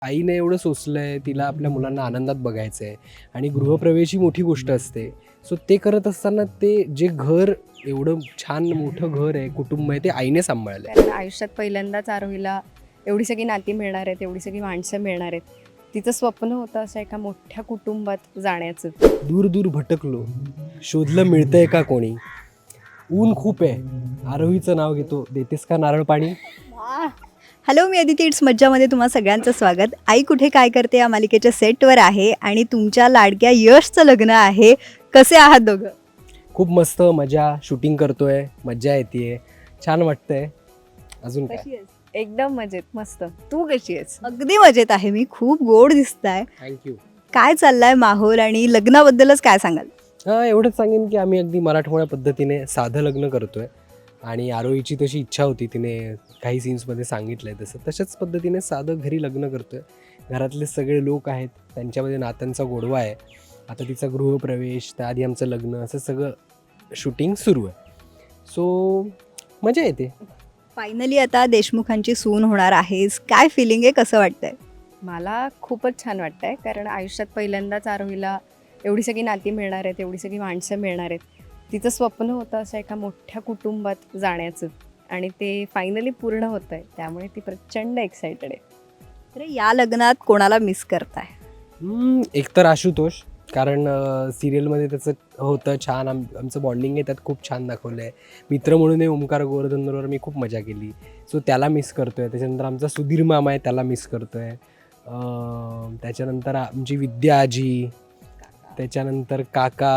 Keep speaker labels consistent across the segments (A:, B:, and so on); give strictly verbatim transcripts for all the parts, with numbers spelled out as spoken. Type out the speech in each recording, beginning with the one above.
A: आईने एवढं सोसलंय, तिला आपल्या मुलांना आनंदात बघायचं आहे आणि गृहप्रवेश ही मोठी गोष्ट असते. सो ते करत असताना ते जे घर एवढं छान मोठं घर आहे, कुटुंब आहे, ते आईने सांभाळलं आहे.
B: कारण आयुष्यात पहिल्यांदाच आरोहीला एवढी सगळी नाती मिळणार आहेत, एवढी सगळी माणसं मिळणार आहेत. तिचं स्वप्न होतं असं एका मोठ्या कुटुंबात जाण्याचं.
A: दूर दूर भटकलो, शोधलं मिळतंय का कोणी. ऊन खूप आहे, आरोहीचं नाव घेतो, देतेस का नारळ पाणी.
C: हॅलो, मी अदिती. इट्स मज्जामध्ये तुम्हा सगळ्यांचं स्वागत. आई कुठे काय करते या मालिकेच्या सेटवर आहे आणि तुमच्या लाडक्या यशचं लग्न आहे. कसे आहात दोघं?
A: खूप मस्त मजा, शूटिंग करतोय, मज्जा येते, छान वाटतंय. अजून काय,
C: कशी आहेस?
B: एकदम मजेत, मस्त. तू कशी आहेस?
C: अगदी मजेत आहे मी. खूप गोड दिसताय.
A: थँक्यू.
C: काय चाललाय माहोल आणि लग्नाबद्दलच काय सांगाल?
A: हां, एवढंच सांगेन की आम्ही अगदी मराठमोळ्या पद्धतीने साधं लग्न करतोय आणि आरोहीची तशी इच्छा होती, तिने काही सीन्समध्ये सांगितलं आहे तसं तशाच पद्धतीने साधं घरी लग्न करतोय. घरातले सगळे लोक आहेत, त्यांच्यामध्ये नात्यांचा गोडवा आहे. आता तिचा गृहप्रवेश, त्याआधी आमचं लग्न, असं सगळं शूटिंग सुरू आहे. सो मजा येते.
C: फायनली आता देशमुखांची सून होणार आहेस. काय फिलिंग आहे? कसं वाटतंय?
B: मला खूपच छान वाटतंय, कारण आयुष्यात पहिल्यांदाच आरोहीला एवढी सगळी नाती मिळणार आहेत, एवढी सगळी माणसं मिळणार आहेत. तिचं स्वप्न होतं असं एका मोठ्या कुटुंबात जाण्याचं आणि ते फायनली पूर्ण होतं आहे. त्यामुळे ती प्रचंड एक्सायटेड आहे.
C: तर या लग्नात कोणाला मिस करताय?
A: हम्म, एकतर आशुतोष, कारण सिरियलमध्ये त्याचं होतं छान, आम आमचं बॉन्डिंग आहे त्यात खूप छान दाखवलं आहे. मित्र म्हणून ओमकार गोवर्धनबरोबर मी खूप मजा केली, सो त्याला मिस करतो आहे. त्याच्यानंतर आमचा सुधीर मामा आहे, त्याला मिस करतो आहे. त्याच्यानंतर आमची विद्या आजी, त्याच्यानंतर काका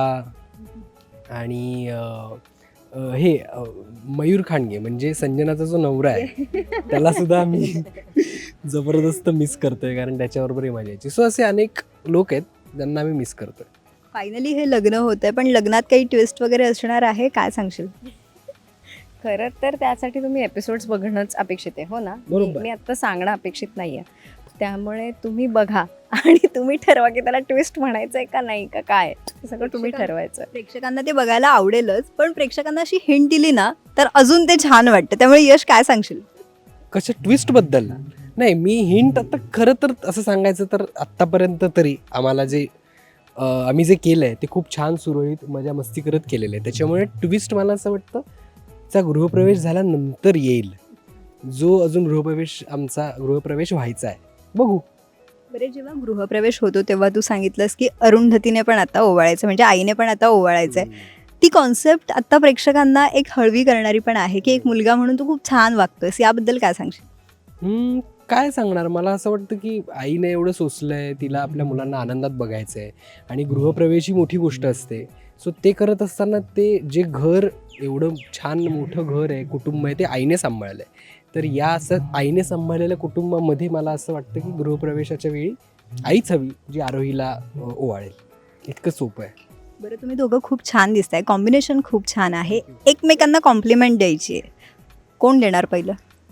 A: आणि अ, अ, हे अ, मयूर खांडगे म्हणजे संजनाचा जो नवरा आहे त्यालासुद्धा आम्ही जबरदस्त मिस करतोय, कारण त्याच्याबरोबरही मजा यायची. सो असे अनेक लोक आहेत ज्यांना आम्ही मिस करतोय.
C: फायनली हे लग्न होतंय, पण लग्नात काही ट्विस्ट वगैरे असणार आहे? काय सांगशील?
B: खरं तर त्यासाठी तुम्ही एपिसोड्स बघणंच अपेक्षित आहे, हो ना? मी
A: बरोबर.
B: मी आत्ता सांगणं अपेक्षित नाही आहे. त्यामुळे तुम्ही बघा आणि तुम्ही ठरवा की त्याला ट्विस्ट म्हणायचं आहे का नाही, का काय, हे सगळं तुम्ही
C: प्रेक्षकां-
B: ठरवायचं.
C: प्रेक्षकांना ते बघायला आवडेलच, पण प्रेक्षकांना अशी हिंट दिली ना तर अजून ते छान वाटतं. त्यामुळे यश, काय सांगशील?
A: कशा ट्विस्टबद्दल? नाही, मी हिंट आता खरं तर असं सांगायचं तर आत्तापर्यंत तरी आम्हाला जे अ, आम्ही जे केलं आहे ते खूप छान सुरळीत मजा मस्ती करत केलेलं आहे. त्याच्यामुळे ट्विस्ट मला असं वाटतं चा गृहप्रवेश झाल्यानंतर येईल, जो अजून गृहप्रवेश आमचा गृहप्रवेश व्हायचा आहे. बघू.
C: बरे, जेव्हा गृहप्रवेश होतो तेव्हा तू सांगितलंस की अरुंधतीने पण आता ओवाळायचं, म्हणजे आईने पण आता ओवाळायचं आहे. ती कॉन्सेप्ट आता प्रेक्षकांना एक हळवी करणारी पण आहे की एक मुलगा म्हणून तू खूप छान वागतोयस. याबद्दल काय सांगशील?
A: हम्म, काय सांगणार, मला असं वाटतं की आईने एवढं सोसलंय, तिला आपल्या मुलांना आनंदात बघायचं आहे आणि गृहप्रवेश ही मोठी गोष्ट असते. सो ते करत असताना ते जे घर एवढं छान मोठं घर आहे, कुटुंब आहे, ते आईने सांभाळलं आहे. तर या असं आईने सांभाळलेल्या कुटुंबामध्ये मला असं वाटतं की गृहप्रवेशाच्या वेळी आईच हवी, जी आरोहीला अ, ओवाळेल. इतकं सोपं आहे.
C: बरं, तुम्ही दोघं खूप छान दिसताय. कॉम्बिनेशन खूप छान आहे. एकमेकांना कॉम्प्लिमेंट द्यायची आहे. कोण देणार पहिलं?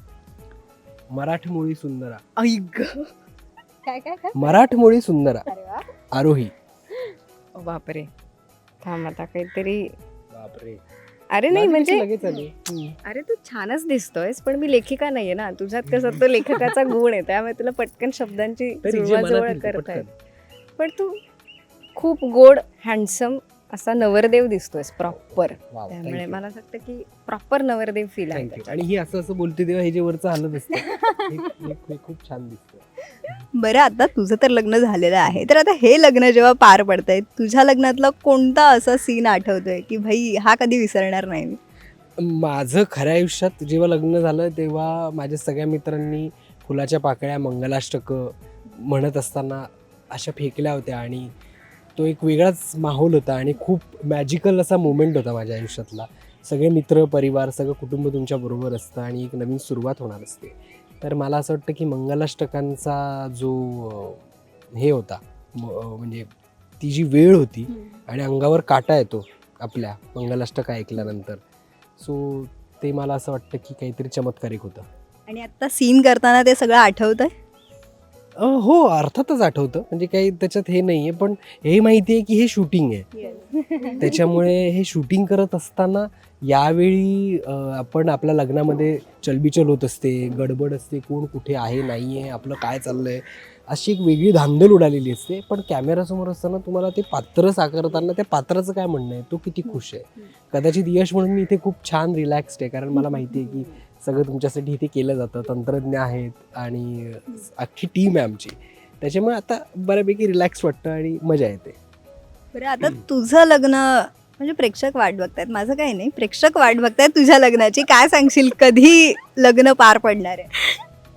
A: मराठमोळी सुंदरा,
B: ऐक काय काय काय
A: मराठमोळी सुंदरा
B: अरे वा,
A: आरोही.
B: ओ बापरे, थांब आता काहीतरी.
A: बापरे,
B: अरे नाही म्हणजे
A: लगेच आली. हम्म.
B: अरे तू छानच दिसतोयस, पण मी लेखिका नाहीये ना. तुझ्यात कसं तो लेखकाचा गुण आहे, त्यामुळे तुला पटकन शब्दांची
A: तरी जे
B: जुळवाजुळव
A: मनातील ते
B: करता येत.
A: पटकन.
B: पण तू खूप गोड, हँडसम असा नवरदेव दिसतोयस प्रॉपर.
A: वाव,
B: त्यामुळे
A: thank you.
B: मला असं वाटतं की प्रॉपर नवरदेव फील आहे
A: Thank you.
B: त्याच्यात.
A: आणि ही असं असं बोलते तेव्हा हे जे वरचं हलत असतं हे- हे- हे खूप छान दिसतं.
C: बरं, आता तुझं तर लग्न झालेलं आहे, तर आता हे लग्न जेव्हा पार पडतंय, तुझ्या लग्नातला कोणता असा सीन आठवतोय की भाई हा कधी विसरणार नाही मी?
A: माझं खऱ्या आयुष्यात जेव्हा लग्न झालं तेव्हा माझ्या सगळ्या मित्रांनी फुलाच्या पाकळ्या, मंगलाष्टकं म्हणत असताना अशा फेकल्या होत्या आणि तो एक वेगळाच माहोल होता आणि खूप मॅजिकल असा मोमेंट होता माझ्या आयुष्यातला. सगळे मित्र, परिवार, सगळं कुटुंब तुमच्याबरोबर असतं आणि एक नवीन सुरुवात होणार असते. तर मला असं वाटतं की मंगलाष्टकांचा जो अ, हे होता, म- अ, म्हणजे ती जी वेळ होती आणि अंगावर काटा येतो आपल्या मंगलाष्टक ऐकल्यानंतर. सो ते मला असं वाटतं की काहीतरी चमत्कारिक होतं.
C: आणि आता सीन करताना ते सगळं आठवतंय?
A: अ, हो, अर्थातच आठवतं, म्हणजे काही त्याच्यात हे नाही आहे, पण हे माहिती आहे की हे शूटिंग आहे. त्याच्यामुळे हे शूटिंग करत असताना यावेळी अ, आपण आपल्या लग्नामध्ये चलबिचल होत असते, गडबड असते, कोण कुठे आहे, नाही आहे, आपलं काय चाललं आहे. अशी एक वेगळी धांदल उडालेली असते. पण कॅमेरासमोर असताना तुम्हाला ते पात्र साकारताना त्या पात्राचं काय म्हणणं आहे, तो किती खुश आहे. कदाचित यश म्हणून मी इथे खूप छान रिलॅक्स्ड आहे, कारण मला माहिती आहे की सगळं तुमच्यासाठी इथे केलं जातं, तंत्रज्ञ आहेत आणि अख्खी टीम आहे आमची. त्याच्यामुळे आता बऱ्यापैकी रिलॅक्स वाटतं आणि मजा येते.
C: बरं आता तुझं लग्न म्हणजे प्रेक्षक वाट बघतायत, माझं काही नाही, प्रेक्षक वाट बघतायत तुझ्या लग्नाची. काय सांगशील, कधी लग्न पार पडणार आहे?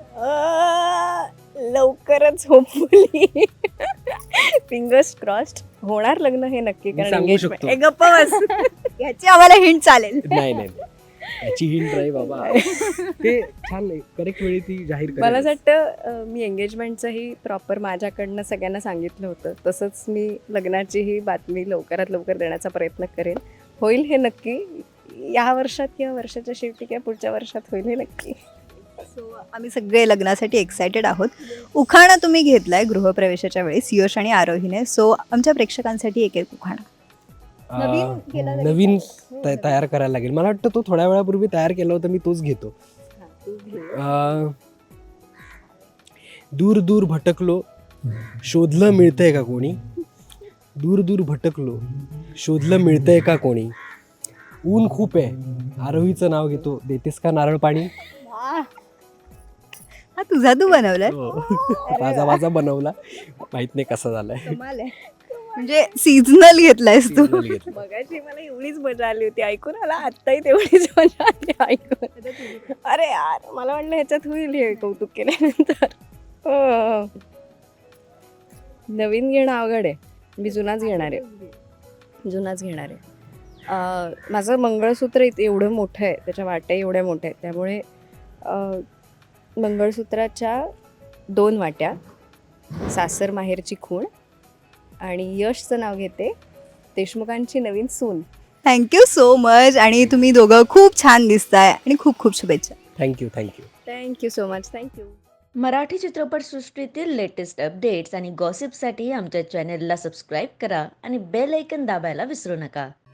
B: अं, लवकरच होपफुली, फिंगर्स क्रॉस्ड होणार लग्न हे नक्की.
A: मी
B: कारण
A: सांगू
B: engagement-
A: शकतो.
B: ए, गप्प बस.
C: याची आम्हाला हिंट चालेल.
A: नाही नाही नाही. याची हिंट नाही बाबा. ते छान नाही, करेक्ट वेळी ती जाहीर करेल.
B: मला असं वाटतं अं, मी एंगेजमेंटचंही प्रॉपर माझ्याकडनं सगळ्यांना सांगितलं होतं. तसंच मी लग्नाचीही बातमी लवकरात लवकर देण्याचा प्रयत्न करेन. होईल हे नक्की, या वर्षात किंवा वर्षाच्या शेवटी किंवा पुढच्या वर्षात होईल हे नक्की.
C: सो आम्ही सगळे लग्नासाठी एक्सायटेड आहोत. उखाणा तुम्ही घेतलाय गृहप्रवेशाच्या वेळेस यश आणि आरोहीने, सो आमच्या प्रेक्षकांसाठी एक एक उखाणा. नवीन
A: अं,
C: केला तरी
A: नवीन
C: चालेल.
A: त- तयार करायला लागेल. मला वाटतं तो थोड्या वेळापूर्वी तयार केला होता, मी तोच घेतो. अं, दूर दूर भटकलो, शोधलं मिळतंय का कोणी. दूर दूर भटकलो, शोधलं मिळतंय का कोणी. ऊन खूप आहे, आरोहीचं नाव घेतो, देतेस का नारळ पाणी.
C: वाह. हा तुझा तू बनवलाय.
A: माझा माझा बनवला, माहित नाही कसा झालाय.
C: कमाल आहे. म्हणजे सीझनल घेतलायस तू.
A: Seasonal घेतला.
B: मगाशी मला एवढीच मजा आली होती ऐकून, मला आत्ताही तेवढीच मजा आली ऐकून. अरे यार, मला वाटलं ह्याच्यात होईल हे कौतुक केल्यानंतर. हो. नवीन घेणं अवघड आहे, मी जुनाच घेणार आहे. जुनाच घेणार आहे. अं, माझं मंगळसूत्र इत- एवढं मोठं आहे, त्याच्या वाट्या एवढ्या मोठ्या आहेत, त्यामुळे अं, मंगळसूत्राच्या दोन वाट्या, सासर माहेरची खूण आणि यशचं नाव घेते, देशमुखांची नवीन सून.
C: Thank you so much. आणि तुम्ही दोघं खूप छान दिसताय आणि खूप खूप शुभेच्छा.
A: Thank you thank you.
B: Thank you so much. Thank you.
D: Marathi चित्रपटसृष्टीतील लेटेस्ट अपडेट्स आणि गॉसिपसाठी आमच्या चॅनेलला सबस्क्राईब करा आणि बेल ऐकन दाबायला विसरू नका.